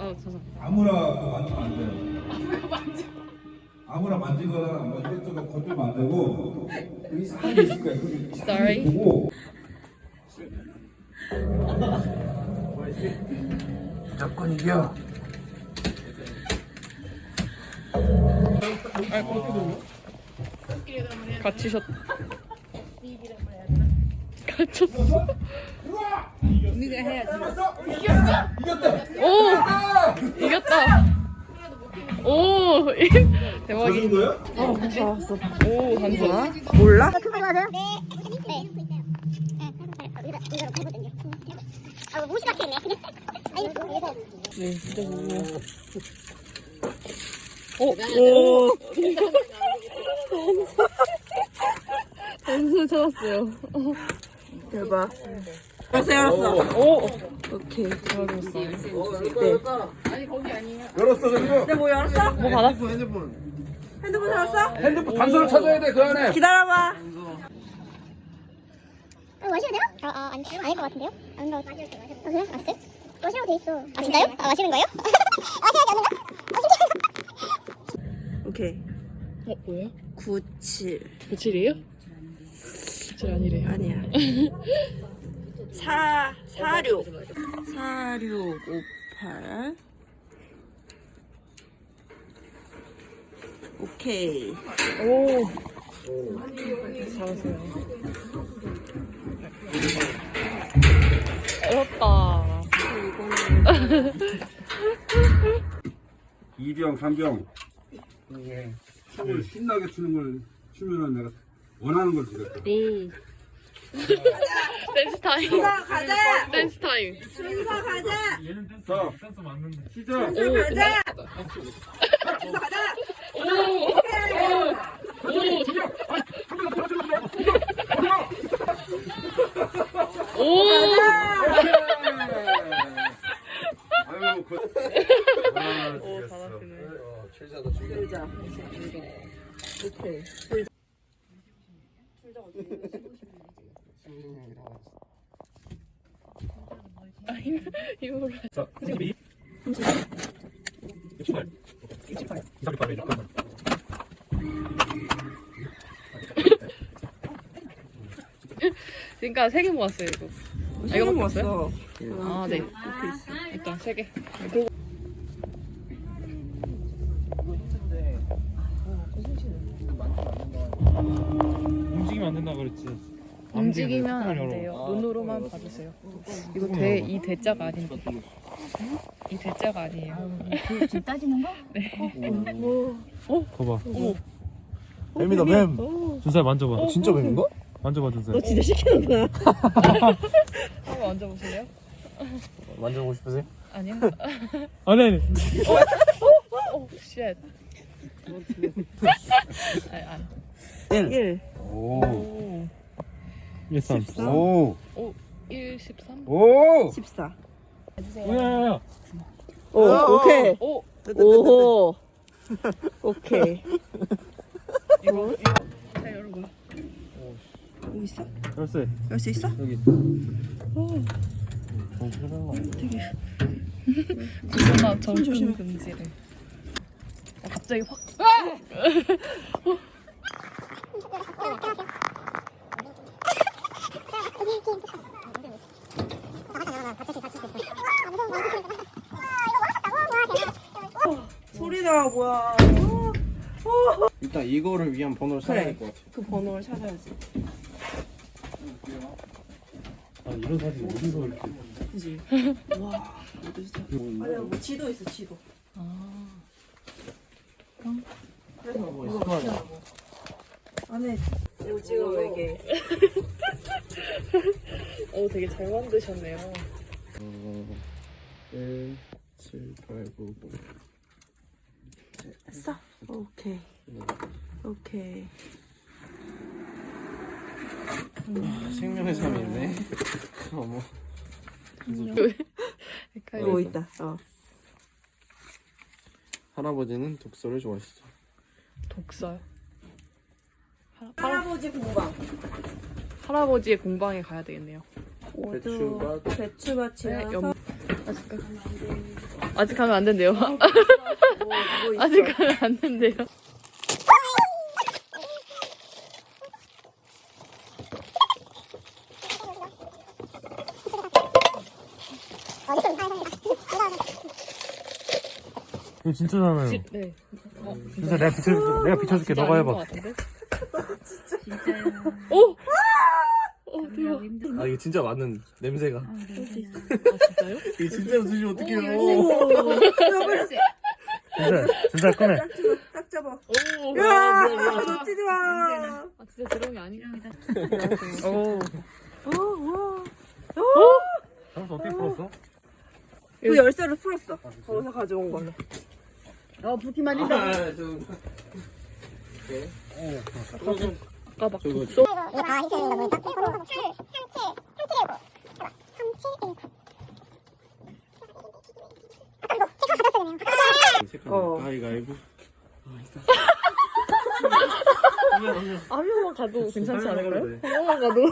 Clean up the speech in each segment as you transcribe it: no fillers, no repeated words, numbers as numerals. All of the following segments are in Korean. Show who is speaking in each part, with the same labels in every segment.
Speaker 1: 죄송합니다.
Speaker 2: 아무나 그거 만지면 안 돼요. 아무나 만지거나 뭐 이것저것 건들면 안 되고 그 이상한 게 있을 거야. 그게
Speaker 1: Sorry.
Speaker 2: 보고 무조건 이겨.
Speaker 1: 갇히셨. 갇혔어.
Speaker 3: 우리가 해야지.
Speaker 2: 이겼다.
Speaker 1: 오 이겼다. 오 대박이.
Speaker 2: 거야?
Speaker 3: 잡았어.
Speaker 1: 오 단서.
Speaker 3: 몰라?
Speaker 4: 큰 거 좋아하세요? 네. 네. 이거로 해보든요. 아, 무시 같겠네. 아니, 위에서.
Speaker 1: 네 진짜 너무. 오. 단서 찾았어요.
Speaker 3: 대박. 열었어.
Speaker 1: 오.
Speaker 3: 오케이.
Speaker 1: 잘하셨어.
Speaker 2: 열었어 저기도.
Speaker 3: 근데 뭐 열었어?
Speaker 1: 뭐 받았어?
Speaker 3: 핸드폰 열었어?
Speaker 2: 핸드폰 단서를 찾아야 돼 그 안에.
Speaker 3: 기다려봐.
Speaker 4: 마시면 돼요? 아니, 아닐 것 같은데요? 안 나와. 그래? 알았어요? 마시라고 돼 있어. 아, 진짜요? 마시는 거예요? 마시는 게 아닌가?
Speaker 3: 오케이.
Speaker 1: 뭐예요?
Speaker 3: 97.
Speaker 1: 97이에요? 97 아니래요.
Speaker 3: 아니야. 46. 4658. 오케이.
Speaker 1: 오. 잘하세요. 어렵다.
Speaker 2: 2병, 3병. 춤을 신나게 추는 걸 추면은 내가 원하는 걸 주겠다.
Speaker 1: 댄스 타임.
Speaker 3: 순서 가자.
Speaker 1: 댄스 타임.
Speaker 3: 순서 가자.
Speaker 2: 자, 시작.
Speaker 3: 순서 가자. 순서 가자.
Speaker 1: 오.
Speaker 2: 아유,
Speaker 1: 오 잘하시네.
Speaker 2: 최자다, 최자.
Speaker 3: 들자. 오케이.
Speaker 1: 힘으로.
Speaker 5: 자, 32. 68. 28. 238.
Speaker 1: 그러니까 3개 모았어요 이거.
Speaker 3: 이거 먹었어.
Speaker 1: 아 네. 일단 3개. 그리고
Speaker 5: 움직이면 안 된다 그랬지.
Speaker 1: 움직이면 안 돼요. 눈으로만 봐주세요. 이거 이 대자가 아닌데. 이 대자가 아니에요.
Speaker 6: 지금 따지는 거?
Speaker 5: 거봐.
Speaker 1: 어머.
Speaker 7: 뱀이다 뱀.
Speaker 5: 준살 만져봐.
Speaker 7: 진짜 뱀인가?
Speaker 5: 만져봐 준살.
Speaker 3: 너 진짜 시키는구나.
Speaker 1: 한번 앉아보실래요?
Speaker 7: 만져보고 싶으세요?
Speaker 1: 아니요.
Speaker 5: 아니.
Speaker 1: 오 쉣. 아니.
Speaker 3: 1.
Speaker 2: 오,
Speaker 1: 오.
Speaker 5: 13.
Speaker 2: 오,
Speaker 1: 1, 13?
Speaker 2: 오.
Speaker 3: 14.
Speaker 5: 야야야.
Speaker 3: 오, 오케이.
Speaker 1: 오.
Speaker 3: 오. 오케이.
Speaker 1: 이거 자 여러분.
Speaker 3: 여기 있어?
Speaker 5: 열쇠.
Speaker 3: 열 수 있어?
Speaker 5: 여기.
Speaker 1: 구조나 정품 금지를. 갑자기 확.
Speaker 3: 소리나 뭐야.
Speaker 7: 일단 이거를 위한 번호를 찾아야 될 것 같아.
Speaker 3: 그 번호를 찾아야지.
Speaker 5: 아 이런 사진 어디서 이렇게?
Speaker 3: 그지? 와. 아니야 뭐 지도 있어 지도. 그래서 뭐 있어? 안에 오징어 외계.
Speaker 1: 오 되게 잘 만드셨네요.
Speaker 7: 1, 7, 8, 9, 9.
Speaker 3: 했어? 오케이. 오케이.
Speaker 7: 생명의 삶이네. 어머.
Speaker 3: 뭐 있다.
Speaker 7: 할아버지는 독서를 좋아하시죠.
Speaker 1: 독서요?
Speaker 3: 할아버지 공방.
Speaker 1: 할아버지의 공방에 가야 되겠네요.
Speaker 3: 배추밭
Speaker 1: 네,
Speaker 3: 치면서
Speaker 1: 맛있을까? 아직 가면 안 된대요. 아직 가면 안 된대요.
Speaker 5: 이거 진짜잖아요.
Speaker 1: 네.
Speaker 5: 진짜 내가 비춰줄게. 너가 해봐.
Speaker 1: 오! 대박.
Speaker 7: 아 이거 진짜 맞는 냄새가.
Speaker 1: 아, 진짜요?
Speaker 7: 이거 진짜로 드시면 어떡해요.
Speaker 5: 진짜 꺼내.
Speaker 3: 딱 잡아.
Speaker 1: 오!
Speaker 3: 야, 놓치지 마.
Speaker 1: 아, 진짜 드럼이 아니랍니다. 오.
Speaker 5: 장수 어떻게 풀었어?
Speaker 3: 그 열쇠를 풀었어. 거기서 가져온 걸로.
Speaker 1: 붓기만
Speaker 7: 아,
Speaker 1: 아까 막
Speaker 7: 저거
Speaker 1: 독소?
Speaker 4: 이거 다 있어야 된다 보니까 3719
Speaker 7: 가위가위보.
Speaker 1: 한 명만 가도 괜찮지 않을까요? 한 명만 가도.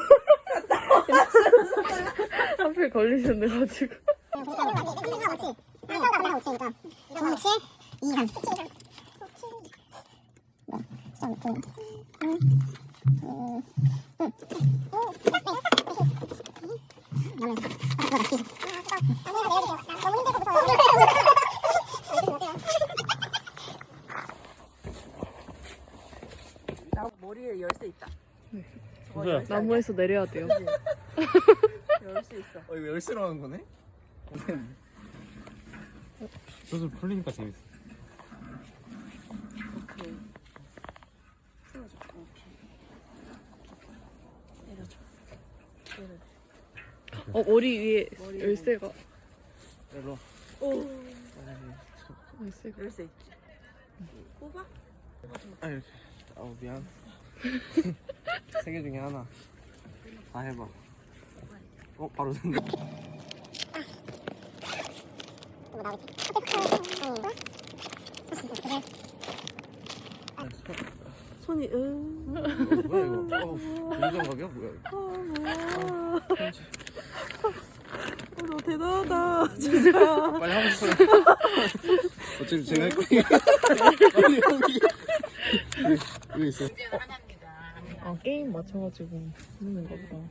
Speaker 1: 하필 걸리셨네가지고.
Speaker 3: 나 머리에 열쇠 있다. 저거
Speaker 5: 진짜야.
Speaker 3: 열쇠
Speaker 1: 나무에서 내려야 돼요.
Speaker 3: 아니야? 열쇠 있어.
Speaker 7: 이거 열쇠로 하는 거네?
Speaker 5: 수술 풀리니까 재밌어.
Speaker 3: 오케이. 세워줘. 오케이. 내려줘.
Speaker 1: 머리 위에 열쇠가.
Speaker 7: 일로.
Speaker 1: 열쇠가.
Speaker 3: 열쇠 있지. 뽑아?
Speaker 7: 아 이렇게. 아우 미안. 3개 중에 하나. 다 해봐. 바로 된다.
Speaker 3: 손이
Speaker 7: 뭐야 이거? 운전각이야 뭐야 이거?
Speaker 3: 너 대단하다. 진짜.
Speaker 7: 빨리 하고 싶어요. 어차피 제가 할 거니까. 빨리 여기. 여기 있어.
Speaker 1: 아, 게임 맞춰가지고 하는 거 보다.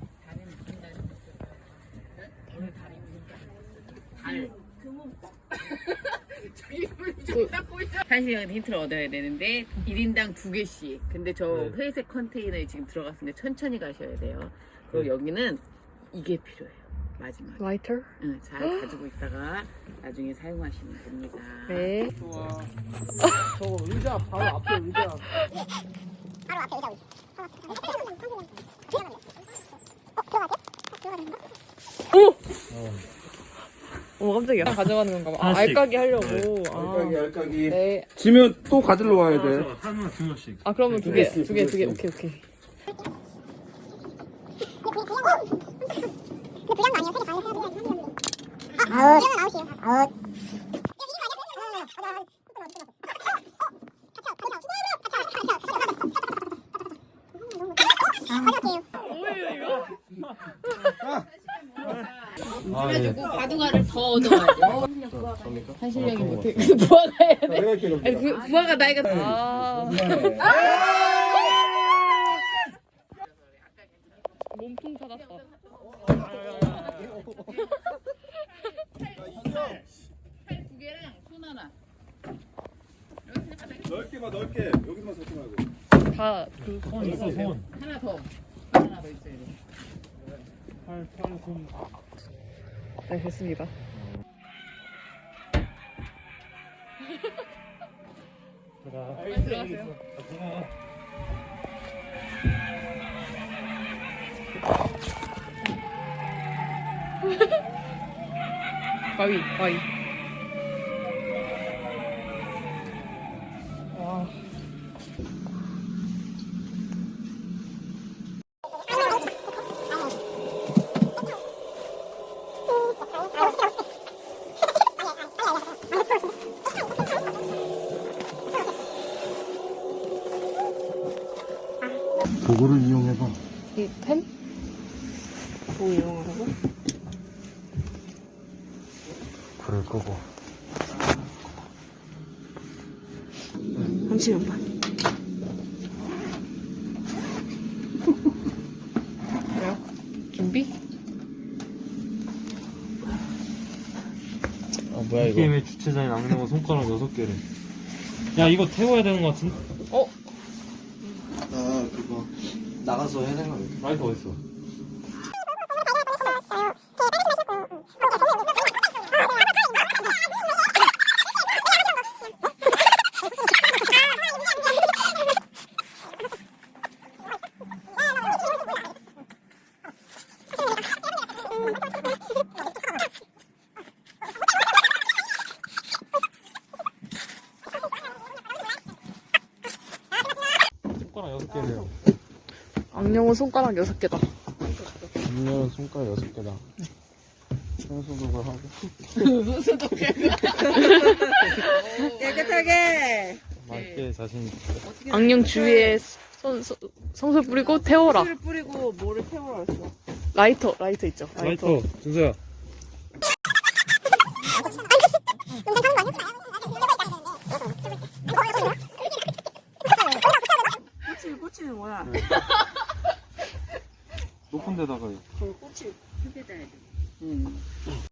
Speaker 6: 한시간 힌트를 얻어야 되는데 1인당 2개씩. 근데 저 회색 컨테이너에 지금 들어갔는데 천천히 가셔야 돼요. 그리고 여기는 이게 필요해요. 마지막에.
Speaker 1: 라이터?
Speaker 6: 응, 잘 가지고 있다가 나중에 사용하시면 됩니다.
Speaker 1: 네.
Speaker 7: 좋아. 저거 의자 바로 앞에 의자.
Speaker 4: 바로 앞에 의자
Speaker 1: 오, 깜짝이야. 가져가는 건가 봐. 아,
Speaker 5: 하나씩.
Speaker 1: 알까기 하려고. 아,
Speaker 2: 알까기.
Speaker 1: 네.
Speaker 2: 지면 또 가지러 와야 돼.
Speaker 5: 하나 두 명씩.
Speaker 1: 아, 그러면 두 개. 두 개. 오케이.
Speaker 4: 근데 불량도 아니에요. 세개 다 해야 돼. 아웃. 아웃.
Speaker 6: 그래가지고 바둑알을 더 얻어가죠. 한실력이 못해. 부하가 해야 돼.
Speaker 2: 내가 이렇게
Speaker 6: 아니, 부하가 나이가
Speaker 1: 아. 몸통 찾았다.
Speaker 6: 팔 2개랑 손 하나.
Speaker 2: 넓게 봐 넓게. 여기서만 잡지 말고.
Speaker 1: 다 그.
Speaker 5: 손 있어 손.
Speaker 6: 하나 더. 하나 더 있어야 돼.
Speaker 5: 팔 손.
Speaker 1: 네, 됐습니다. 들어가세요. 가위. 와.
Speaker 5: 도구를 이용해봐.
Speaker 1: 이 펜? 뭐 이용하라고?
Speaker 5: 불을 끄고.
Speaker 3: 꽂히는 발.
Speaker 1: 준비?
Speaker 7: 아 뭐야
Speaker 5: 이 게임의 주최자인 악령은 손가락 6개를. 야 이거 태워야 되는 거 같은데?
Speaker 7: 아 그거 나가서 해야 되는 거 아니야?
Speaker 5: 라이트 어딨어? 손가락 6개래요.
Speaker 1: 악령은 손가락 6개다.
Speaker 7: 악령은 손가락 6개다. 청소독을 하고.
Speaker 3: 깨끗하게.
Speaker 5: 맞게 자신 있어.
Speaker 1: 악령 주위에 성술 뿌리고 태워라.
Speaker 3: 술 뿌리고 뭐를 태우라 했어.
Speaker 1: 라이터 있죠.
Speaker 5: 라이터 준서야.
Speaker 3: 꽂히는 뭐야?
Speaker 5: 높은 데다가
Speaker 3: 그걸 꽂히.
Speaker 6: 흙에다 해야 돼.